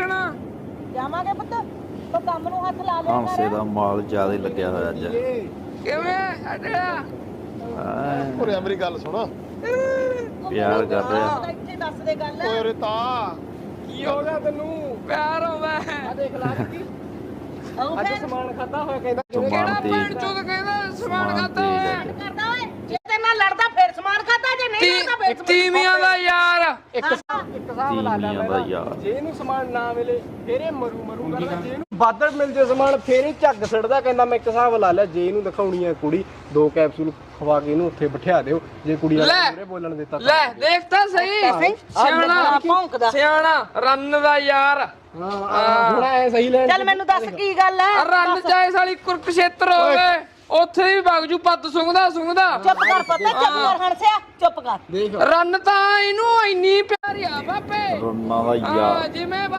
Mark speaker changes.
Speaker 1: ਜਾਣਾ
Speaker 2: ਜਾਵਾਂਗੇ ਪੁੱਤ ਤੂੰ ਕੰਮ ਨੂੰ ਹੱਥ ਲਾ ਲਿਆ
Speaker 3: ਹਾਂਸੇ ਦਾ ਮਾਲ ਜ਼ਿਆਦਾ ਹੀ ਲੱਗਿਆ ਹੋਇਆ ਅੱਜ।
Speaker 1: ਕਿਵੇਂ ਅੜਿਆ
Speaker 4: ਉਰੇ ਮੇਰੀ ਗੱਲ ਸੁਣ।
Speaker 3: ਪਿਆਰ ਕਰ ਰਿਹਾ।
Speaker 2: ਇੱਥੇ ਦੱਸ ਦੇ ਗੱਲ
Speaker 4: ਓਏ ਉਰੇ ਤਾਂ
Speaker 1: ਕੀ ਹੋ ਗਿਆ ਤੈਨੂੰ ਪਿਆਰ ਆਉਂਦਾ
Speaker 5: ਆ ਦੇਖ ਲਾ ਕੀ
Speaker 2: ਆਉਂ
Speaker 5: ਅੱਜ
Speaker 2: ਫੇਰ
Speaker 5: ਸਮਾਨ ਖਾਦਾ ਹੋਇਆ ਕਹਿੰਦਾ
Speaker 1: ਕਿਹੜਾ
Speaker 3: ਸਮਾਨ
Speaker 1: ਭੈਣ
Speaker 3: ਤੇਜ਼
Speaker 1: ਚੋਦ ਕਹਿੰਦਾ ਸਮਾਨ ਖਾਤਾ
Speaker 3: ਤੇਜ਼
Speaker 1: ਹੋਇਆ
Speaker 3: ਹੈ।
Speaker 2: ਕਰਦਾ ਓਏ ਜੇ ਤੇ ਨਾਲ ਲੜਦਾ ਫੇਰ ਸਮਾਨ ਖਾਦਾ ਜੇ ਨਹੀਂ ਲੜਦਾ ਫੇਰ ਸਮਾਨ
Speaker 1: ਤੀਵੀਆਂ ਦਾ ਯਾਰ
Speaker 5: ਇੱਕ ਹਿਸਾਬ ਲਾ ਲੈ
Speaker 3: ਤੀਵੀਆਂ ਦਾ ਯਾਰ।
Speaker 5: ਜੇ ਇਹਨੂੰ ਸਮਾਨ ਨਾ ਮਿਲੇ ਫੇਰ ਇਹ ਮਰੂ ਕਰਦਾ ਜੇ ਇਹਨੂੰ ਵੱਧ ਮਿਲ ਜੇ ਸਮਾਨ ਫੇਰ ਇਹ ਝੱਗ ਸੜਦਾ ਕਹਿੰਦਾ ਮੈਂ ਇੱਕ ਹਿਸਾਬ ਲਾ ਲਿਆ ਜੇ ਇਹਨੂੰ ਦਿਖਾਉਣੀ ਹੈ ਕੁੜੀ 2 ਕੈਪਸੂਲ ਖਵਾ ਕੇ ਇਹਨੂੰ ਉੱਥੇ ਬਿਠਾ ਦਿਓ ਜੇ ਕੁੜੀ
Speaker 1: ਲੈ।
Speaker 5: ਵਾਲੇ ਮੂਹਰੇ ਬੋਲਣ ਦਿੱਤਾ
Speaker 1: ਲੈ ਦੇਖ ਤਾਂ ਸਹੀ ਸਿਆਣਾ
Speaker 2: ਭੌਂਕਦਾ
Speaker 1: ਸਿਆਣਾ ਰੰਨ ਦਾ ਯਾਰ
Speaker 5: ਹਾਂ ਹੁਣ ਐ ਸਹੀ ਲੈਣ
Speaker 2: ਚੱਲ ਮੈਨੂੰ ਦੱਸ ਕੀ ਗੱਲ ਹੈ
Speaker 1: ਰੰਨ ਚਾਹੇ ਸਾਲੀ ਕੁਰਕਸ਼ੇਤਰ ਹੋਵੇ ਉੱਥੇ ਵੀ ਵਗ ਜੂ ਪੱਤ ਸੁੰਘਦਾ
Speaker 2: ਚੁੱਪ ਕਰ ਪਤਾ ਚੁੱਪ ਕਰ ਹਣਸਿਆ ਚੁੱਪ ਕਰ
Speaker 5: ਦੇਖ
Speaker 1: ਰੰਨ ਤਾਂ ਇਹਨੂੰ ਇੰਨੀ ਪਿਆਰੀ ਆ ਬਾਪੇ
Speaker 3: ਰੰਨਾ ਦਾ
Speaker 1: ਹਾਂ
Speaker 3: ਯਾਰ।
Speaker 1: ਜਿਵੇਂ